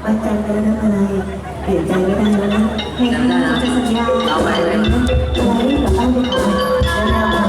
ปัจจัยไปแล้วนะอะไรเปลี่ยนใจไม่ได้แล้วนะเพลงนี้จะสัญญาอะไรกับป้าไปขอแล้วนะ